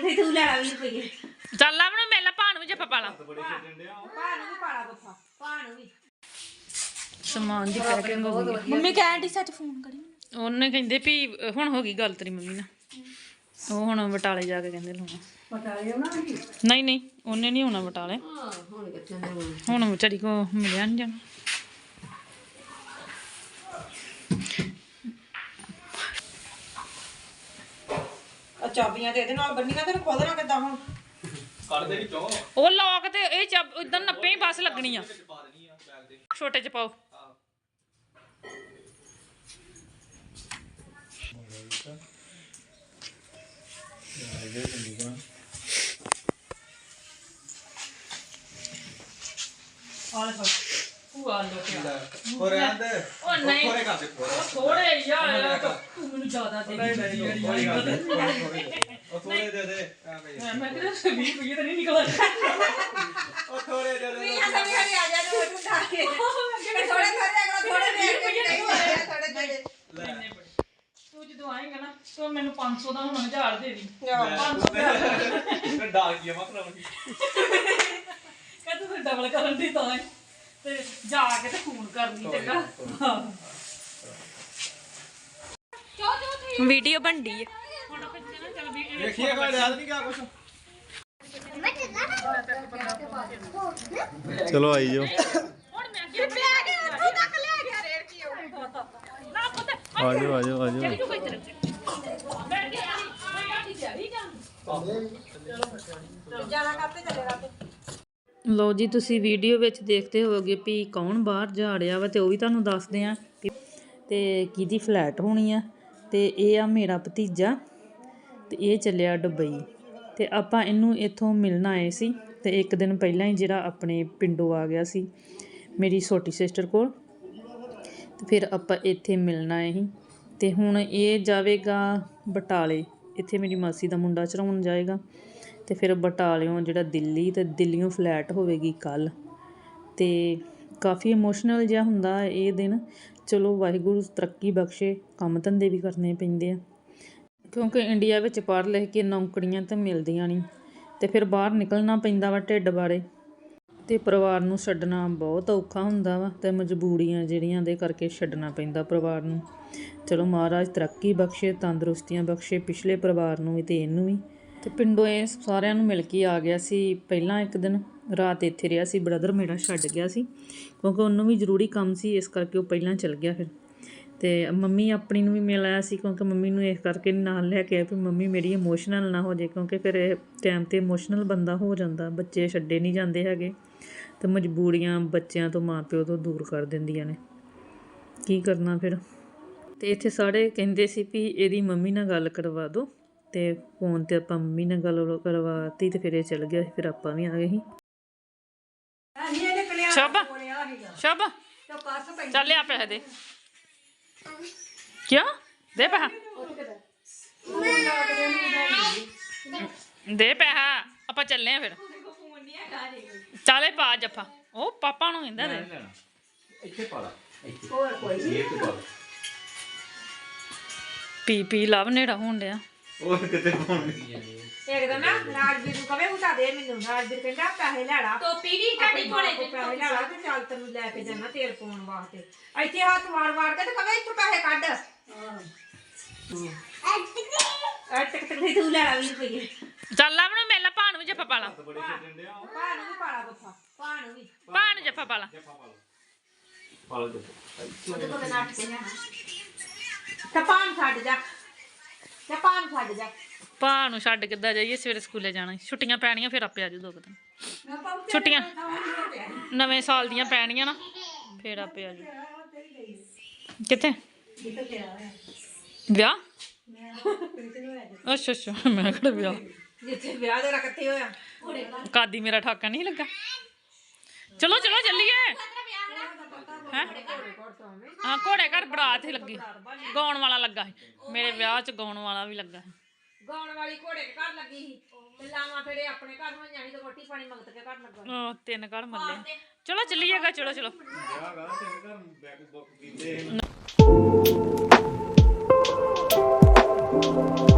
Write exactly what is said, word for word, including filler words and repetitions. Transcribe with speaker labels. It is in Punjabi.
Speaker 1: ਟਕਟੇ ਤੂੰ ਲੈਣਾ ਵੀਹ ਰੁਪਏ
Speaker 2: ਚੱਲ ਲਾ ਮੈਨੂੰ ਮੇਲਾ ਭਾਣ ਵੀ ਜੱਫਾ ਪਾ ਲਾ
Speaker 1: ਭਾਣ ਵੀ ਪਾਲਾ ਬੱਫਾ ਭਾਣ ਵੀ
Speaker 2: ਸਮਾਨ ਦੀ ਪੈਕਿੰਗ ਹੋ ਗਈ
Speaker 3: ਮੰਮੀ ਕਹਿਣ ਦੀ ਸੱਚ ਫੋਨ ਕਰੀ
Speaker 2: ਉਹਨੇ ਕਹਿੰਦੇ ਵੀ ਹੁਣ ਹੋ ਗਈ ਗੱਲ ਤੇਰੀ ਮੰਮੀ ਨਾਲ ਉਹ ਹੁਣ ਬਟਾਲੇ ਜਾ ਕੇ ਕਹਿੰਦੇ ਲਾਉਣਾ
Speaker 1: ਬਟਾਲੇ ਉਹਨਾਂ ਨੇ
Speaker 2: ਨਹੀਂ ਨਹੀਂ ਉਹਨੇ ਨਹੀਂ ਹੋਣਾ ਬਟਾਲੇ
Speaker 1: ਹਾਂ ਹੁਣ ਕਿੱਥੇ ਨੇ
Speaker 2: ਹੁਣ ਵਿਚਾਰੀ ਕੋ ਮਿਲਿਆ ਨਹੀਂ ਜਾਣਾ
Speaker 1: ਆ ਚਾਬੀਆਂ ਤੇ ਇਹਦੇ ਨਾਲ ਬੰਨੀਆਂ ਤੇ ਖੋਲਣਾ ਕਿੱਦਾਂ ਹੁਣ
Speaker 4: ਕੱਢ ਦੇ ਵਿੱਚੋਂ
Speaker 2: ਉਹ ਲੋਕ ਤੇ ਇਹ ਚੱਬ ਇਦਾਂ ਨੱਪੇ ਹੀ ਬਸ ਲੱਗਣੀ ਆ
Speaker 4: ਪਾ ਦੇਣੀ ਆ ਬੈਗ ਦੇ
Speaker 2: ਛੋਟੇ ਚ ਪਾਓ ਆਲੇ ਫੜ ਭੂਆ ਲੋ ਕੇ
Speaker 4: ਹੋਰ ਆਂਦੇ
Speaker 2: ਉਹ ਨਹੀਂ
Speaker 4: ਥੋੜੇ ਕਰ ਦੇ
Speaker 2: ਥੋੜੇ ਯਾਰ ਤੂੰ ਮੈਨੂੰ ਜ਼ਿਆਦਾ ਦੇ
Speaker 4: ਨਹੀਂ ਨਹੀਂ ਕੋਈ ਗੱਲ ਨਹੀਂ ਉਹ ਥੋੜੇ ਦੇ ਦੇ
Speaker 2: ਮੈਂ ਕਿਹਾ ਵੀਹ ਰੁਪਏ ਤਾਂ ਨਹੀਂ ਨਿਕਲਦਾ
Speaker 4: ਉਹ ਥੋੜੇ ਦੇ ਦੇ
Speaker 1: ਵੀਹਾਂ ਸਭ ਹਰੇ ਆ ਜਾ ਤੂੰ ਤੂੰ ਖਾ ਕੇ ਥੋੜੇ ਥੋੜੇ ਅਗਲਾ ਥੋੜੇ ਦੇ ਕੇ ਨਹੀਂ ਹੋਇਆ ਥੋੜੇ ਥੋੜੇ
Speaker 2: ਤੂੰ ਜਦੋਂ ਆਏਗਾ ਨਾ ਤੂੰ ਮੈਨੂੰ ਪੰਜ ਸੌ ਦਾ ਹੁਣ ਹਜ਼ਾਰ ਦੇ ਦੀ
Speaker 4: ਤੇ ਡਾਕ ਗਿਆ ਮਤਲਬ
Speaker 2: ਕਹਿੰਦਾ ਤੂੰ ਡਬਲ ਕਰਨ ਦੀ ਤਾਂ ਤੇ ਜਾ ਕੇ ਤੇ ਫੋਨ ਕਰਨੀ ਚੰਗਾ
Speaker 3: ਵੀਡੀਓ ਬਣਦੀ ਹੈ
Speaker 2: ਹੁਣ ਬੱਚੇ ਨਾ ਚੱਲ ਵੀ
Speaker 4: ਦੇਖੀਏ ਕੋਈ ਯਾਦ ਨਹੀਂ ਕਿਆ ਕੁਛ
Speaker 5: ਚਲੋ ਆਈ ਜਾਓ
Speaker 2: ਹੁਣ ਮੈਂ ਅੱਗੇ ਪਿਆ ਕੇ ਉੱਥੇ ਤੱਕ ਲੈ ਗਿਆ ਰੇੜ ਕੀ ਨਾ ਪੁੱਤ
Speaker 5: ਆ ਜਾਓ ਆ ਜਾਓ ਆ ਜਾਓ
Speaker 2: ਤੂੰ ਕੋਈ ਤਰ੍ਹਾਂ ਬੈਠ ਕੇ ਆਈ ਮੈਂ ਆਟੀ ਤਿਆਰੀ ਜਾਂ
Speaker 1: ਜਾਣਾ ਕਾਤੇ ਚੱਲੇਗਾ ਤੇ
Speaker 2: ਲੋ ਜੀ ਤੁਸੀਂ ਵੀਡੀਓ ਵਿੱਚ ਦੇਖਦੇ ਹੋਵੋਗੇ ਵੀ ਕੌਣ ਬਾਹਰ ਜਾ ਰਿਹਾ ਵਾ ਤੇ ਉਹ ਵੀ ਤੁਹਾਨੂੰ ਦੱਸਦੇ ਆ ਤੇ ਕਿਹਦੀ ਫਲੈਟ ਹੋਣੀ ਆ ਤੇ ਇਹ ਆ ਮੇਰਾ ਭਤੀਜਾ ਤੇ ਇਹ ਚੱਲਿਆ ਦੁਬਈ ਤੇ ਆਪਾਂ ਇਹਨੂੰ ਇੱਥੋਂ ਮਿਲਣ ਆਏ ਸੀ ਤੇ ਇੱਕ ਦਿਨ ਪਹਿਲਾਂ ਹੀ ਜਿਹੜਾ ਆਪਣੇ ਪਿੰਡੋਂ ਆ ਗਿਆ ਸੀ ਮੇਰੀ ਛੋਟੀ ਸਿਸਟਰ ਕੋਲ ਤੇ ਫਿਰ ਆਪਾਂ ਇੱਥੇ ਮਿਲਣ ਆਏ ਸੀ ਤੇ ਹੁਣ ਇਹ ਜਾਵੇਗਾ ਬਟਾਲੇ ਇੱਥੇ ਮੇਰੀ ਮਾਸੀ ਦਾ ਮੁੰਡਾ ਚੜਾਉਣ ਜਾਏਗਾ ਤੇ ਫਿਰ ਬਟਾਲਿਓਂ ਜਿਹੜਾ ਦਿੱਲੀ ਤੇ ਦਿੱਲੀੋਂ ਫਲੈਟ ਹੋਵੇਗੀ ਕੱਲ ਤੇ ਕਾਫੀ ਇਮੋਸ਼ਨਲ ਜਿਹਾ ਹੁੰਦਾ ਇਹ ਦਿਨ ਚਲੋ ਵਾਹਿਗੁਰੂ ਤਰੱਕੀ ਬਖਸ਼ੇ ਕੰਮ ਧੰਦੇ ਵੀ ਕਰਨੇ ਪੈਂਦੇ ਆ ਕਿਉਂਕਿ ਇੰਡੀਆ ਵਿੱਚ ਪੜ੍ਹ ਲਿਖ ਕੇ ਨੌਕਰੀਆਂ ਤਾਂ ਮਿਲਦੀਆਂ ਨਹੀਂ ਤੇ ਫਿਰ ਬਾਹਰ ਨਿਕਲਣਾ ਪੈਂਦਾ ਵਾ ਢਿੱਡ ਬਾਰੇ ਤੇ ਪਰਿਵਾਰ ਨੂੰ ਛੱਡਣਾ ਬਹੁਤ ਔਖਾ ਹੁੰਦਾ ਵਾ ਤੇ ਮਜਬੂਰੀਆਂ ਜਿਹੜੀਆਂ ਦੇ ਕਰਕੇ ਛੱਡਣਾ ਪੈਂਦਾ ਪਰਿਵਾਰ ਨੂੰ ਚਲੋ ਮਹਾਰਾਜ ਤਰੱਕੀ ਬਖਸ਼ੇ ਤੰਦਰੁਸਤੀਆਂ ਬਖਸ਼ੇ ਪਿਛਲੇ ਪਰਿਵਾਰ ਨੂੰ ਵੀ ਤੇ ਇਹਨੂੰ ਵੀ ਤੇ ਪਿੰਡੋਂ ਇਹ ਸਾਰਿਆਂ ਨੂੰ ਮਿਲ ਕੇ ਆ ਗਿਆ ਸੀ ਪਹਿਲਾਂ ਇੱਕ ਦਿਨ ਰਾਤ ਇੱਥੇ ਰਿਹਾ ਸੀ ਬ੍ਰਦਰ ਮੇਰਾ ਛੱਡ ਗਿਆ ਸੀ ਕਿਉਂਕਿ ਉਹਨੂੰ ਵੀ ਜ਼ਰੂਰੀ ਕੰਮ ਸੀ ਇਸ ਕਰਕੇ ਉਹ ਪਹਿਲਾਂ ਚਲ ਗਿਆ ਫਿਰ ਤੇ ਮੰਮੀ ਆਪਣੀ ਨੂੰ ਵੀ ਮਿਲ ਆਇਆ ਸੀ ਕਿਉਂਕਿ ਮੰਮੀ ਨੂੰ ਇਸ ਕਰਕੇ ਨਾਲ ਲੈ ਕੇ ਆਇਆ ਵੀ ਮੰਮੀ ਮੇਰੀ ਇਮੋਸ਼ਨਲ ਨਾ ਹੋ ਜਾਏ ਕਿਉਂਕਿ ਫਿਰ ਇਹ ਟਾਈਮ 'ਤੇ ਇਮੋਸ਼ਨਲ ਬੰਦਾ ਹੋ ਜਾਂਦਾ ਬੱਚੇ ਛੱਡੇ ਨਹੀਂ ਜਾਂਦੇ ਹੈਗੇ ਤੇ ਮਜਬੂਰੀਆਂ ਬੱਚਿਆਂ ਤੋਂ ਮਾਂ ਪਿਓ ਤੋਂ ਦੂਰ ਕਰ ਦਿੰਦੀਆਂ ਨੇ ਕੀ ਕਰਨਾ ਫਿਰ ਤੇ ਇੱਥੇ ਸਾਰੇ ਕਹਿੰਦੇ ਸੀ ਵੀ ਇਹਦੀ ਮੰਮੀ ਨਾਲ ਗੱਲ ਕਰਵਾ ਦਿਓ ਤੇ ਫੋਨ ਤੇ ਆਪਾਂ ਮੰਮੀ ਨਾਲ ਗੱਲ ਕਰਵਾਤੀ ਤੇ ਫਿਰ ਇਹ ਚਲ ਗਿਆ ਫਿਰ ਆਪਾਂ ਵੀ ਆ ਗਏ ਸੀ ਸ਼ਬ ਸ਼ਬ ਚੱਲ ਆ ਪੈਸੇ ਦੇ ਕਿਉਂ ਦੇ ਪੈਸਾ ਦੇ ਪੈਸਾ ਆਪਾਂ ਚੱਲੇ ਆ ਫਿਰ ਚਾਲੇ ਪਾ ਜੱਫਾ ਉਹ ਪਾਪਾ ਨੂੰ ਕਹਿੰਦਾ ਦੇ
Speaker 4: ਇੱਥੇ ਪਾ ਲਾ
Speaker 1: ਹੋਰ ਕੋਈ ਨਹੀਂ
Speaker 2: ਪੀ ਪੀ ਲਵ ਨੇੜਾ ਹੋਣ ਡਿਆ
Speaker 4: ਉਹ ਕਿਤੇ ਪਾਉਣੀ
Speaker 1: ਇੱਕ ਦਿਨ ਨਾ ਰਾਜਵੀਰ ਨੂੰ ਕਵੇ ਉਠਾ ਦੇ ਮੈਨੂੰ ਰਾਜਵੀਰ ਕਹਿੰਦਾ ਪੈਸੇ ਲੈ ਲਾ
Speaker 3: ਟੋਪੀ ਵੀ ਤੁਹਾਡੀ ਕੋਲੇ
Speaker 1: ਪੈਸੇ ਲੈ ਲਾ ਤੇ ਚੱਲ ਤੈਨੂੰ ਲੈ ਕੇ ਜਾਣਾ ਤੇਲ ਪਾਉਣ ਵਾਸਤੇ ਇੱਥੇ ਹੱਥ ਵਾਰ ਵਾਰ ਕੇ ਤੇ ਕਵੇ ਇੱਥੋਂ ਪੈਸੇ ਕੱਢ ਹਾਂ ਟਕ ਟਕ ਤੂੰ ਲੈ ਲਾ ਵੀਹ ਰੁਪਏ
Speaker 2: ਚੱਲ ਲਾ ਮੈਨੂੰ ਮੇਲਾ ਭਾਣ ਵੀ ਜੱਫਾ ਪਾ ਲਾ
Speaker 4: ਬੜੇ ਛੱਡਣ ਡਿਆ
Speaker 1: ਭਾਣ ਵੀ ਪਾਲਾ ਬੱਫਾ ਭਾਣ ਵੀ
Speaker 2: ਭਾਣ ਜੱਫਾ ਪਾ ਲਾ
Speaker 4: ਪਾ ਲਓ ਜੀ
Speaker 1: ਉਹਦੇ ਕੋਲ ਨੱਟ ਕੇ ਜਾਣਾ ਤੇ ਭਾਣ ਛੱਡ ਜਾ ਤੇ ਭਾਣ ਛੱਡ ਜਾ
Speaker 2: ਭਾਣ ਨੂੰ ਛੱਡ ਕਿੱਦਾਂ ਜਾਈਏ ਸਵੇਰੇ ਸਕੂਲੇ ਜਾਣਾ ਛੁੱਟੀਆਂ ਪੈਣੀਆਂ ਫਿਰ ਆਪੇ ਆ ਜਾਊ ਦੋ ਕੁ ਦਿਨ ਛੁੱਟੀਆਂ ਨਵੇਂ ਸਾਲ ਦੀਆਂ ਪੈਣੀਆਂ ਨਾ ਫਿਰ ਆਪੇ ਆ ਜਾਊ ਕਿੱਥੇ ਵਿਆਹ ਅੱਛਾ ਅੱਛਾ ਮੈਂ ਕਿਹੜਾ ਵਿਆਹ
Speaker 1: ਜਿੱਥੇ ਵਿਆਹ ਦੇ ਰੱਖਤੇ ਹੋਇਆ
Speaker 2: ਕਾਦੀ ਮੇਰਾ ਠਾਕਾ ਨਹੀਂ ਲੱਗਾ ਚਲੋ ਚਲੋ ਚੱਲੀਏ ਹੈ ਹਾਂ ਘੋੜੇ ਘਰ ਬਰਾਤ ਹੀ ਲੱਗੀ ਗਾਉਣ ਵਾਲਾ ਲੱਗਾ ਸੀ ਮੇਰੇ ਵਿਆਹ 'ਚ ਗਾਉਣ ਵਾਲਾ ਵੀ ਲੱਗਾ ਸੀ
Speaker 1: ਗਾਉਣ ਵਾਲੀ ਘੋੜੇ ਦੇ ਘਰ ਲੱਗੀ ਸੀ ਤੇ ਲਾਵਾਂ ਫੇਰੇ ਆਪਣੇ ਘਰ ਹੋਈਆਂ ਸੀ ਤੇ ਰੋਟੀ ਪਾਣੀ ਮੰਗਤ ਕੇ ਘਰ ਲੱਗਾ
Speaker 2: ਉਹ ਤਿੰਨ ਘਰ ਮੱਲੇ ਚਲੋ ਚੱਲੀਏਗਾ ਚਲੋ ਚਲੋ
Speaker 4: ਵਿਆਹ ਗਾ ਤਿੰਨ ਘਰ ਬੈਕ ਬੁੱਕ ਕੀਤੇ